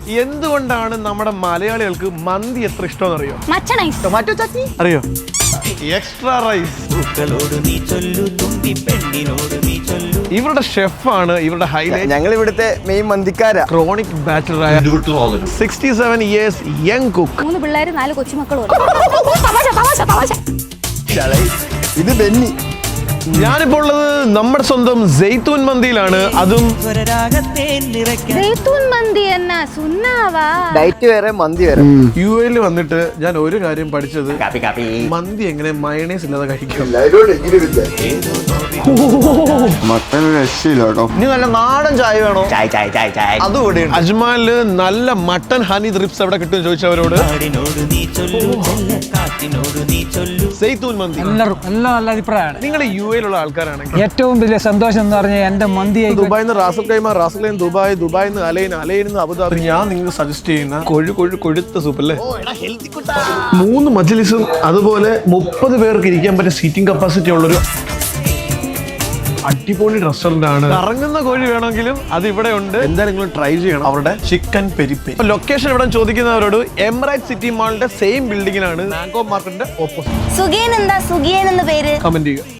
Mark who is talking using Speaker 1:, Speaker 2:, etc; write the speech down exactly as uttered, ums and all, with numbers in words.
Speaker 1: എന്തുകൊണ്ടാണ് നമ്മുടെ മലയാളികൾക്ക് മന്തി എത്ര ഇഷ്ടമെന്ന് അറിയോ?
Speaker 2: ടൊമാറ്റോ ചട്നി
Speaker 1: അറിയോ? Extra rice. ഇവരുടെ ഷെഫാണ് ഇവരുടെ ഹൈലൈറ്റ്.
Speaker 3: ഞങ്ങൾ ഇവിടുത്തെ മെയിൻ മന്തിക്കാരാ.
Speaker 1: ക്രോണിക് ബാച്ചലറായ sixty seven years young cook.
Speaker 2: മൂന്ന് പിള്ളേര് നാല് കൊച്ചുമക്കളും.
Speaker 3: ഇത് ബെന്നി.
Speaker 1: ഞാനിപ്പോൾ ഉള്ളത് നമ്മുടെ സ്വന്തം സെയ്തൂൻ മന്തിയിലാണ്. അതും
Speaker 3: ഡയറ്റ് വേറെ മന്തി വേറെ.
Speaker 1: യു എയിൽ വന്നിട്ട് ഞാൻ ഒരു കാര്യം പഠിച്ചത്, മന്തി എങ്ങനെ മയണൈസ് ഇല്ലാതെ കഴിക്കും.
Speaker 3: മട്ടൻ രക്ഷയില്ല കേട്ടോ.
Speaker 1: ഇനി നല്ല നാടൻ ചായ വേണോ?
Speaker 3: ചായ ചായ ചായ ചായ
Speaker 1: അതുകൂടി. അജ്മാലില് നല്ല മട്ടൻ ഹണി റിപ്സ് എവിടെ കിട്ടും ചോദിച്ചവരോട് സെയ്തൂൻ മന്തി.
Speaker 4: എല്ലാവരും എല്ലാം നല്ല അഭിപ്രായമാണ്.
Speaker 1: നിങ്ങൾ യു എയിലുള്ള ആൾക്കാരാണെങ്കിൽ
Speaker 4: ഏറ്റവും വലിയ സന്തോഷം എന്ന് പറഞ്ഞാൽ എന്റെ മന്തി
Speaker 1: ദുബായിൽ നിന്ന് Ras al Khaimah, Ras al Khaimah Dubai, ദുബായിൽ നിന്ന് അലൈൻ, അലൈനിൽ നിന്ന് അബുദാബി. ഞാൻ നിങ്ങൾക്ക് സജസ്റ്റ് ചെയ്യുന്ന കൊഴു കൊഴു കൊഴുത്ത സൂപ്പ് അല്ലേ. മൂന്ന് മജ്ലിസും അതുപോലെ മുപ്പത് പേർക്ക് ഇരിക്കാൻ പറ്റിയ സീറ്റിംഗ് കപ്പാസിറ്റി ഉള്ളൊരു അടിപൊളി റെസ്റ്റോറന്റ് ആണ്. കറങ്ങുന്ന കോഴി വേണമെങ്കിലും അത് ഇവിടെ ഉണ്ട്. എന്തായാലും നിങ്ങൾ ട്രൈ ചെയ്യണം അവരുടെ ചിക്കൻ പെരിപ്പെ. ലൊക്കേഷൻ ഇവിടെ ചോദിക്കുന്നവരോട് എമിറേറ്റ് സിറ്റി മാളിന്റെ സെയിം ബിൽഡിംഗിലാണ് മാംഗോ മാർക്കറ്റിന്റെ ഓപ്പോസിറ്റ്.
Speaker 2: സുഖിയൻ എന്താ സുഖിയൻ എന്ന പേര്
Speaker 1: കമന്റ് ചെയ്യുക.